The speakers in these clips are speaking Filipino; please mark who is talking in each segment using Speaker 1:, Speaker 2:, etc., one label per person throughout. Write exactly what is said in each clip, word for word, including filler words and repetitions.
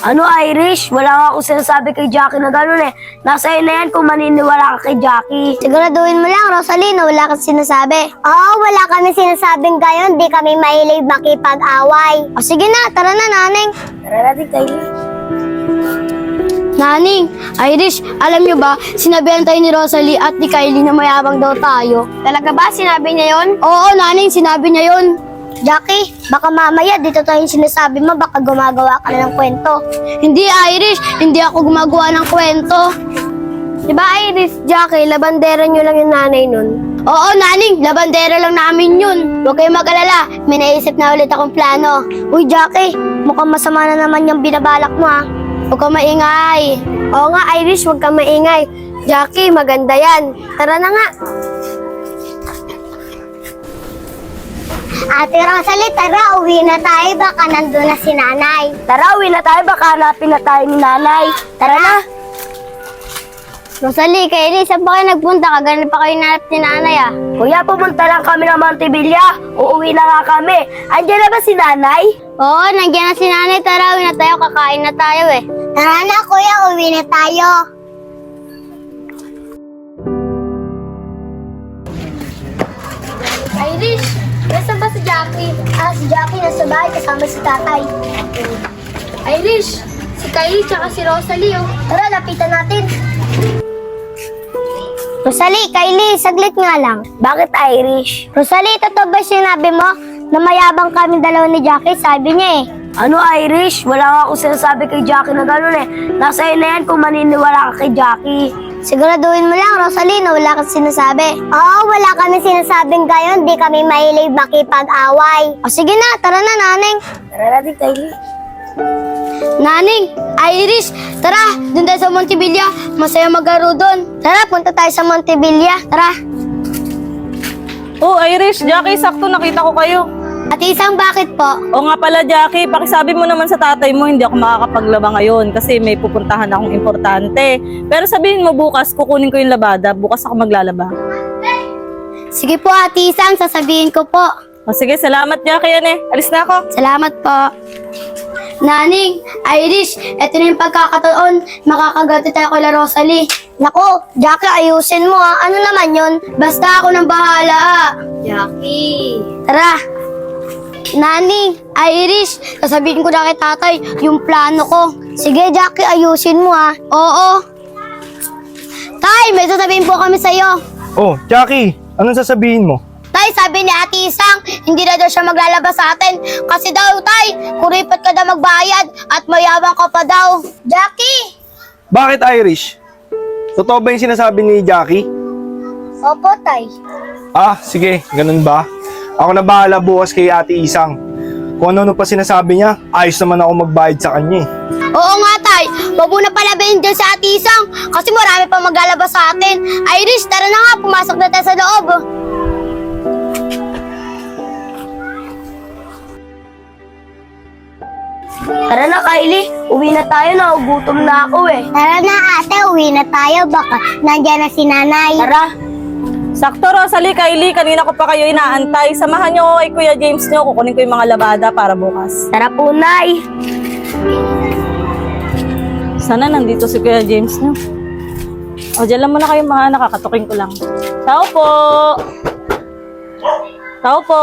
Speaker 1: Ano, Irish? Wala nga akong sinasabi kay Jackie na gano'n eh. Nasa iyo na yan kung maniniwala ka kay Jackie.
Speaker 2: Siguraduhin mo lang, Rosalie, na wala kang sinasabi. Oo, wala kami sinasabing gayon. Di kami mahilig makipag-away. O sige na, tara na, Naneng.
Speaker 1: Tara natin, Kylie.
Speaker 2: Naning, Irish, alam nyo ba, sinabihan tayo ni Rosalie at ni Kylie na mayabang daw tayo. Talaga ba? Sinabi niya yon? Oo, Naning, sinabi niya yon. Jackie, baka mamaya dito tayo yung sinasabi mo, baka gumagawa ka na ng kwento. Hindi, Irish, hindi ako gumagawa ng kwento. Diba, Irish, Jackie, labandera nyo lang yung nanay nun? Oo, Naning, labandera lang namin yun. Huwag kayong mag-alala, may naisip na ulit akong plano. Uy, Jackie, mukhang masama na naman yung binabalak mo ha. Huwag kang maingay. Oo nga, Irish, huwag kang maingay. Jackie, maganda yan. Tara na nga. Ate Rosalie, tara, uwi na tayo. Baka nandun na si nanay.
Speaker 1: Tara, uwi na tayo. Baka hanapin na tayo ni nanay. Tara na.
Speaker 2: Rosalie, Kylie, saan ba kayo nagpunta? Kagalit pa kayo nanap ni nanay ah.
Speaker 1: Kuya, pumunta lang kami ng Montevilla. Uuwi na nga kami. Andiyan na ba si nanay?
Speaker 2: Oo, nandiyan na si nanay. Tara, uwi na tayo. Kakain na tayo eh. Tara na, kuya. Uwi na tayo. Irish, nasaan ba si Jackie? Ah, si Jackie nasa bahay kasama si tatay. Irish, si Kylie tsaka si Rosalie oh. Tara, lapitan natin. Rosalie, Kylie, saglit nga lang.
Speaker 1: Bakit, Irish?
Speaker 2: Rosalie, totoo ba sinabi mo na mayabang kami dalawa ni Jackie? Sabi niya eh.
Speaker 1: Ano, Irish? Wala nga akong sinasabi kay Jackie na gano'n eh. Nasa iyo na yan kung maniniwala ka kay Jackie.
Speaker 2: Siguraduhin mo lang, Rosalie, na wala kang sinasabi. Oo, wala kami sinasabing gayon. Di kami mahilig makipag-away. O sige na, tara na, Naneng.
Speaker 1: Tara natin, Kylie.
Speaker 2: Naning, Irish, tara, dun tayo sa Montevilla. Masaya maglaro dun. Tara, punta tayo sa Montevilla. Tara.
Speaker 3: Oh, Irish, Jackie, sakto nakita ko kayo.
Speaker 2: At isang bakit po?
Speaker 3: O nga pala, Jackie, pakisabi mo naman sa tatay mo, hindi ako makakapaglaba ngayon kasi may pupuntahan akong importante. Pero sabihin mo bukas, kukunin ko yung labada. Bukas ako maglalaba.
Speaker 2: Sige po, Ate Isang, sasabihin ko po.
Speaker 3: O sige, salamat, Jackie, yan eh. Alis na ako.
Speaker 2: Salamat po. Naning, Irish, eto na yung pagkakataon. Makakagati tayo kay La Rosalie. Nako, Jackie, ayusin mo ha. Ano naman yun? Basta ako nang bahala ha. Jackie. Tara. Naning, Irish, sasabihin ko na kay tatay yung plano ko. Sige, Jackie, ayusin mo ha. Oo. Tay, may sasabihin po kami sa'yo.
Speaker 4: Oh, Jackie, anong sasabihin mo?
Speaker 2: Tay, sabi ni Ate Isang, hindi na daw siya maglalabas sa atin. Kasi daw, Tay, kuripot ka daw magbayad at mayabang ka pa daw. Jackie!
Speaker 4: Bakit Irish? Totoo ba yung sinasabi ni Jackie?
Speaker 2: Opo, Tay.
Speaker 4: Ah, sige, ganun ba? Ako na bahala bukas kay Ate Isang. Kung ano-ano pa sinasabi niya, ayos naman ako magbayad sa kanya eh.
Speaker 2: Oo nga, Tay. Huwag mo na palabayin dyan sa Ate Isang kasi marami pa maglalabas sa atin. Irish, tara na nga, pumasok na tayo sa loob.
Speaker 1: Tara na, Kylie. Uwi na tayo. Nagugutom na ako eh.
Speaker 2: Tara na, ate. Uwi na tayo. Baka nandiyan na si nanay.
Speaker 1: Tara.
Speaker 3: Sakto, Rosalie, Kylie, kanina ko pa kayo inaantay. Samahan niyo ako kay Kuya James niyo. Kukunin ko yung mga labada para bukas.
Speaker 1: Tara po, Nay.
Speaker 3: Sana nandito si Kuya James niyo. O, dyan lang muna kayo mga nakakatukin ko lang. Tao po! Tao po!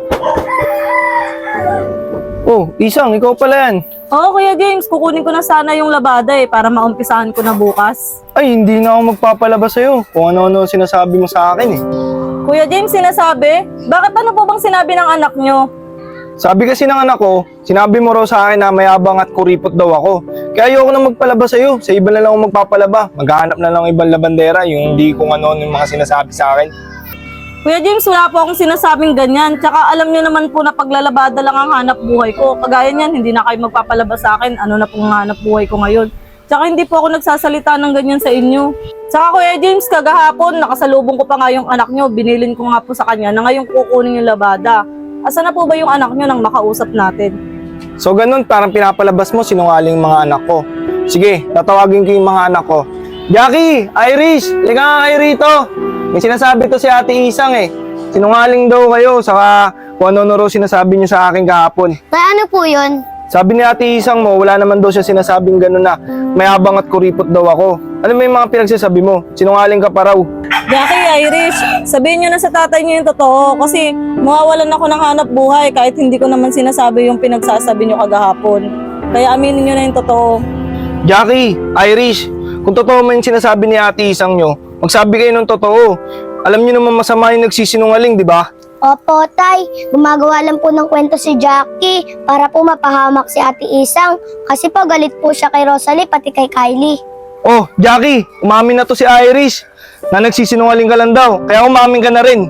Speaker 4: Oh, Isang, ikaw pala yan.
Speaker 3: Oo, Kuya James, kukunin ko na sana yung labada eh, para maumpisahan ko na bukas.
Speaker 4: Ay, hindi na ako magpapalabas sa'yo kung ano-ano sinasabi mo sa akin eh.
Speaker 3: Kuya James, sinasabi? Bakit ano po bang sinabi ng anak nyo?
Speaker 4: Sabi kasi ng anak ko, sinabi mo raw sa akin na mayabang at kuripot daw ako. Kaya ayoko na magpalabas sa'yo. Sa iba na lang ako magpapalaba. Maghahanap na lang ng ibang labandera, yung hindi kung ano-ano yung mga sinasabi sa akin.
Speaker 3: Kuya James, wala po akong sinasabing ganyan. Tsaka alam niyo naman po na paglalabada lang ang hanap buhay ko. Kagaya niyan, hindi na kayo magpapalabas sa akin. Ano na pong hanap buhay ko ngayon. Tsaka hindi po ako nagsasalita ng ganyan sa inyo. Tsaka Kuya James, kagahapon, nakasalubong ko pa nga yung anak nyo. Binilin ko nga po sa kanya na ngayon kukunin yung labada. Asa na po ba yung anak nyo nang makausap natin?
Speaker 4: So ganun, parang pinapalabas mo sinungaling mga anak ko. Sige, tatawagin ko yung mga anak ko. Jackie! Irish! Liga nga kayo rito! May sinasabi to si Ate Isang eh. Sinungaling daw kayo, saka kung ano-ano raw sinasabi niyo sa akin kahapon.
Speaker 2: Tay, ano po yun?
Speaker 4: Sabi ni Ate Isang mo, wala naman daw siya sinasabing gano'n na mayabang at kuripot daw ako. Ano mo yung mga pinagsasabi mo? Sinungaling ka pa raw.
Speaker 3: Jackie, Irish, sabihin nyo na sa tatay nyo yung totoo kasi mawawalan ako ng hanap buhay kahit hindi ko naman sinasabi yung pinagsasabi nyo kagahapon. Kaya aminin nyo na yung totoo.
Speaker 4: Jackie, Irish, kung totoo man yung sinasabi ni Ate Isang nyo, magsabi kayo ng totoo. Alam nyo naman masama yung nagsisinungaling, di ba?
Speaker 2: Opo, Tay. Gumagawa lang po ng kwento si Jackie para po mapahamak si Ate Isang kasi po galit po siya kay Rosalie pati kay Kylie.
Speaker 4: Oh, Jackie, umamin na to si Irish na nagsisinungaling ka lang daw, kaya umamin ka na rin.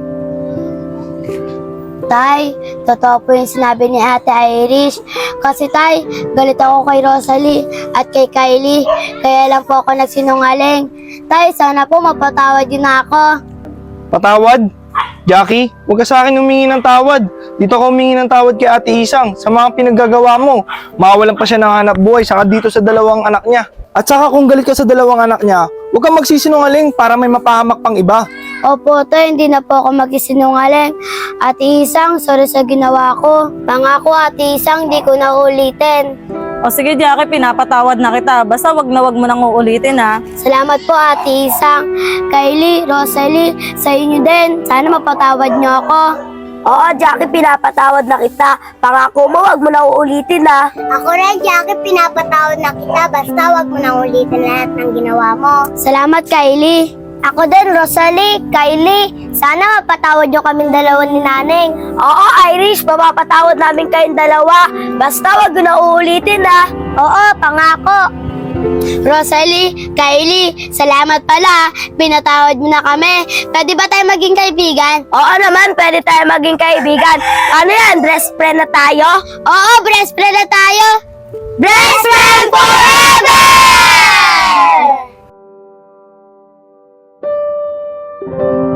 Speaker 2: Tay, totoo po yung sinabi ni Ate Irish. Kasi Tay, galit ako kay Rosalie at kay Kylie. Kaya lang po ako nagsinungaling. Tay, sana po mapatawad din ako.
Speaker 4: Patawad? Jackie, huwag ka sa akin humingi ng tawad. Dito ka humingi ng tawad kay Ate Isang sa mga pinaggagawa mo. Mawalan pa siya ng hanap buhay saka dito sa dalawang anak niya. At saka kung galit ka sa dalawang anak niya, huwag kang magsisinungaling para may mapahamak pang iba.
Speaker 2: Opo, Tay, hindi na po ako magsisinungaling. Ate Isang, sorry sa ginawa ko. Pangako, Ate Isang, di ko na ulitin.
Speaker 3: O sige Jackie, pinapatawad na kita. Basta wag na wag mo nang uulitin ha.
Speaker 2: Salamat po, Ate Isang. Kylie, Rosalie, sa inyo din. Sana mapatawad niyo ako.
Speaker 1: Oo, Jackie, pinapatawad na kita. Pangako mo, wag mo na uulitin ha.
Speaker 2: Ako rin, Jackie, pinapatawad na kita. Basta wag mo na ulitin lahat ng ginawa mo. Salamat, Kylie. Ako din, Rosalie, Kylie. Sana mapatawad niyo kaming dalawa ni Naneng.
Speaker 1: Oo, Irish, mapapatawad namin kayong dalawa. Basta wag mo na uulitin ha.
Speaker 2: Oo, pangako. Rosalie, Kylie, salamat pala. Pinatawad mo na kami. Pwede ba tayo maging kaibigan?
Speaker 1: Oo naman, pwede tayo maging kaibigan. Ano yan, best friend na tayo?
Speaker 2: Oo, best friend na tayo.
Speaker 1: Best friend forever!